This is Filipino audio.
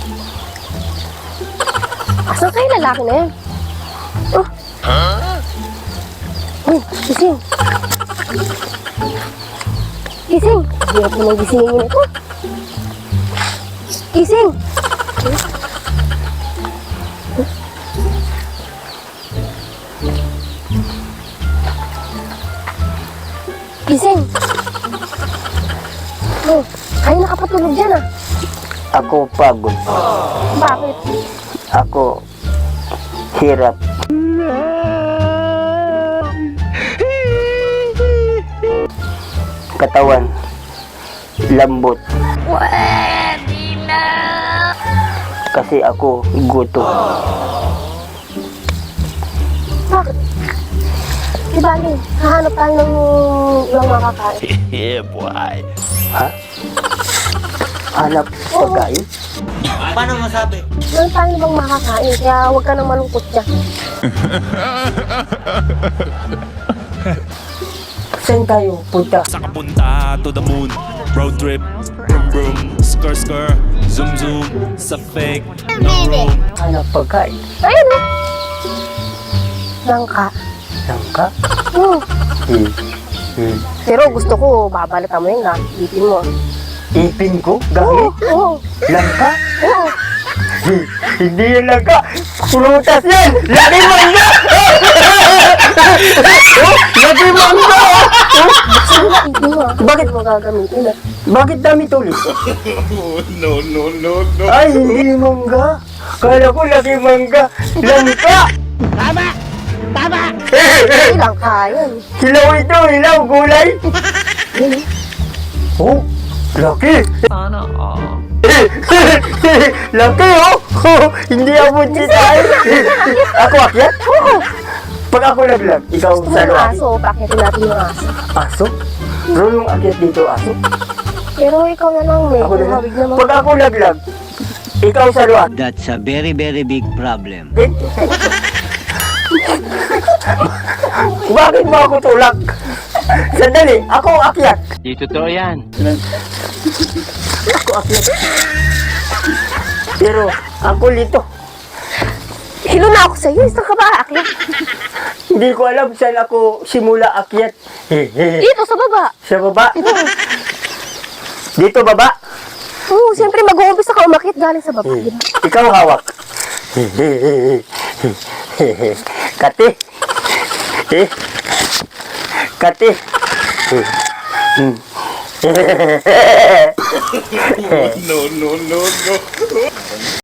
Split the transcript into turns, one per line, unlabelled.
Asan kayo lalaki na yan? Oh. Uy, gising. Gising. Hirap mo nang gisingin ito. Gising. Gising. Oh, kayo nakapatulog dyan ah.
Ako pagod.
Bakit?
Ako hirap. Katawan lambot.
Pwede na.
Kasi ako gutom.
Bakit? Di bali, hahanap tayo ng makakain.
Yeah, boy.
Ha? Hanap pagkain?
Paano masabi?
Meron tayo bang makakain, kaya huwag ka nang malungkot dyan.
Saan tayo punta?
Sa kapunta to the moon. Road trip. Vroom vroom. Skr skr. Zoom zoom. Sa fake. No room.
Hanap pagkain.
Ayun o. Langka.
Langka?
Hmm. Pero gusto ko, babalatan mo yun na. Ipin mo.
Ipin ko? Gamit?
Oo.
Langka?
Oo.
Hindi yan langka. Prutas yan! Laki mangga! Laki mangga!
Ipin mo. Bakit mo gagamitin ah?
Bakit dami tulis?
No, no, no, no.
Ay, hindi mangga. Kala ko laki mangga. Langka!
Hindi langka yun.
Hilaw ito, hilaw, gulay. Oh, laki.
Sana all.
Laki oh. Hindi abot si tayo. Ako akyat? Pag ako laglag, ikaw
Gusto mo
sa
ng
luwa.
aso, pakitin natin yung aso.
Aso? Bro, yung akyat dito, aso.
Pero ikaw na lang,
Ako
medyo
na.
mabig naman.
Pag ako laglag, ikaw sa luwa.
That's a very, very big problem.
Bakit mo ako tulak? Sandali, ako akyat.
Di totoo yan.
Ako akyat. Pero ako lito.
Hilo na ako sa'yo, saan ka ba aakyat?
Hindi ko alam saan ako simula akyat.
Dito, sa baba.
Sa baba? Dito baba?
Oo, siyempre mag-uumpisa ka umakit galing sa baba. Di ba?
Ikaw hawak. Kati. Kati.
No, no, no, no.